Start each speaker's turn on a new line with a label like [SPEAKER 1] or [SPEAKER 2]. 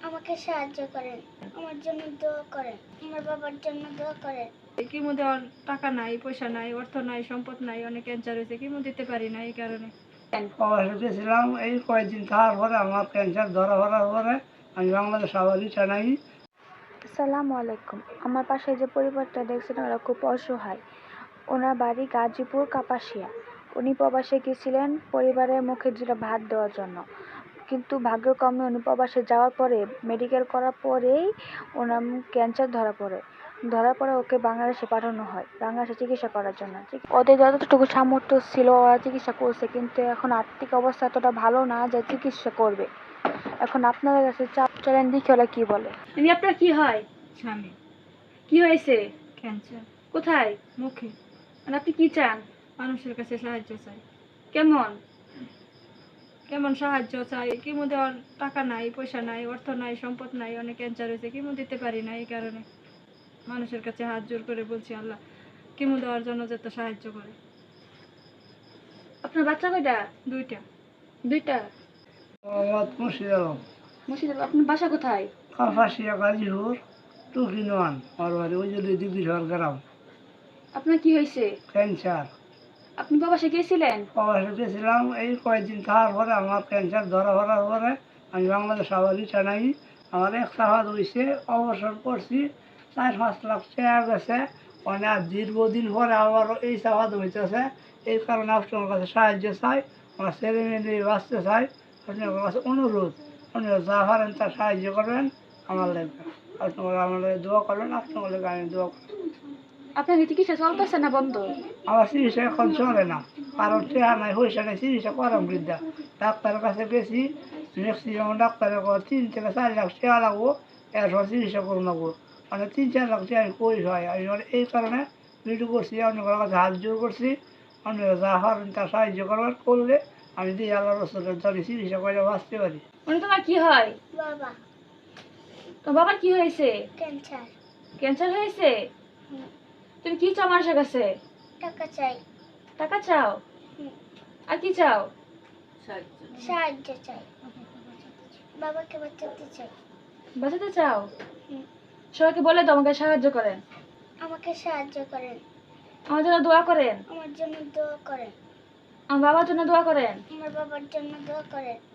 [SPEAKER 1] আমাকে সাহায্য করেন, আমার জন্য দোয়া করেন, আমার বাবার জন্য দোয়া করেন।
[SPEAKER 2] কিমো দেওয়ার টাকা নাই, পয়সা নাই, অর্থ নাই, সম্পদ নাই, অনেক ক্যান্সার হয়েছে, কিমো দিতে পারি না এই কারণে।
[SPEAKER 3] প্রবাসে ছিলাম, এই কয়েকদিন থাকার পরে আমার ক্যান্সার ধরা পড়ার পরে আমি বাংলাদেশ আবার জানাই।
[SPEAKER 4] আসসালামু আলাইকুম। আমার পাশে যে পরিবারটা দেখছেন ওরা খুব অসহায়। ওনার বাড়ি গাজীপুর কাপাসিয়া। উনি প্রবাসে গেছিলেন পরিবারের মুখে দুটো ভাত দেওয়ার জন্য, কিন্তু ভাগ্যক্রমে উনি প্রবাসে যাওয়ার পরে মেডিকেল করার পরেই ওনার ক্যান্সার ধরা পড়ে ওকে বাংলাদেশে পাঠানো হয় বাংলাদেশে চিকিৎসা করার জন্য। ওদের যতটুকু সামর্থ্য ছিল ওরা চিকিৎসা করছে, কিন্তু এখন আর্থিক অবস্থা এতটা ভালো না যে চিকিৎসা করবে। এখন আপনাদের কাছে চাপ চলেন দেখি ওরা কি বলে।
[SPEAKER 2] ইনি আপনার কি হয়? স্বামী। কি হয়েছে? ক্যান্সার। কোথায়? মুখে। মানে আপনি কি চান? মানুষের কাছে সাহায্য চাই। কেমন কেমন সাহায্য চাই? কিমো দেওয়ার টাকা নাই, পয়সা নাই, অর্থ নাই, সম্পদ নাই, অনেক ক্যান্সার হয়েছে, কিমো দিতে পারি না এই কারণে। মানুষের কাছে হাত জোর করে বলছি আল্লাহ কিমো দেওয়ার জন্য যাতে সাহায্য করে। আপনার বাচ্চা কয়টা? দুইটা।
[SPEAKER 4] মুর্শিদাবাদ। আপনার বাসা কোথায়?
[SPEAKER 3] কাপাসিয়া গাজীপুর টুকিনওয়ান আমার বাড়ি, ওই যে দিঘির গ্রাম।
[SPEAKER 4] আপনার কি হয়েছে?
[SPEAKER 3] ক্যান্সার।
[SPEAKER 4] আপনি প্রবাসে গিয়েছিলেন?
[SPEAKER 3] প্রবাসে ছিলাম, এই কয়েকদিন থাকার পরে আমার ক্যান্সার ধরা পড়ার পরে আমি বাংলাদেশ আবার জানাই। আমার এক সাহায্য হয়েছে, অবসর করছি, 4-5 লাখ টাকা গেছে। মানে আর দীর্ঘদিন পরে আবারও এই সাহায্য হইতেছে। এই কারণে আপনার কাছে সাহায্য চাই, আমার ছেলে মেয়ে নিয়ে বাঁচতে চাই। আপনার কাছে অনুরোধ, আপনারা যা পারেন তা সাহায্য করবেন আমার লেগে। আপনারা আমার লেগে দোয়া করবেন, আপনার লেগে আমি দোয়া করব।
[SPEAKER 4] আপনার চিকিৎসা চলতেছে না বন্ধ?
[SPEAKER 3] আমার চিকিৎসা এখন চলে না, কারণ টাকা নাই, পয়সা নাই, চিকিৎসা করাম বৃদ্ধা। ডাক্তারের কাছে গেছি, ম্যাক্সিমাম ডাক্তারের 3 থেকে 4 লাখ টাকা লাগবো, এরপর চিকিৎসা করুন লাগবো। মানে 3-4 লাখ টাকা আমি কই হয়। আমি মানে এই কারণে ভিডিও করছি, আপনার কাছে হাত জোর করছি, আপনারা যা পারেন তা সাহায্য করবার করলে আমি দিয়ে আল্লাহ রসুলের ধরে চিকিৎসা করে বাঁচতে পারি।
[SPEAKER 2] উনি তোমার কি হয়?
[SPEAKER 1] বাবা
[SPEAKER 2] তোমার বাবার কি হয়েছে?
[SPEAKER 1] ক্যান্সার।
[SPEAKER 2] ক্যান্সার হয়েছে? তুমি কি চাও মানুষের কাছে?
[SPEAKER 1] টাকা চাই।
[SPEAKER 2] টাকা চাও?
[SPEAKER 1] হুম।
[SPEAKER 2] আর কি চাও?
[SPEAKER 1] সাহায্য চাই, বাবাকে বাঁচাতে চাই।
[SPEAKER 2] বাঁচাতে চাও?
[SPEAKER 1] হুম।
[SPEAKER 2] সবাইকে বলে তো আমাকে সাহায্য করেন,
[SPEAKER 1] আমাকে সাহায্য করেন,
[SPEAKER 2] আমার জন্য দোয়া করেন,
[SPEAKER 1] আমার জন্য দোয়া করেন,
[SPEAKER 2] আমার বাবার জন্য দোয়া করেন।
[SPEAKER 1] আমার বাবার জন্য দোয়া করেন।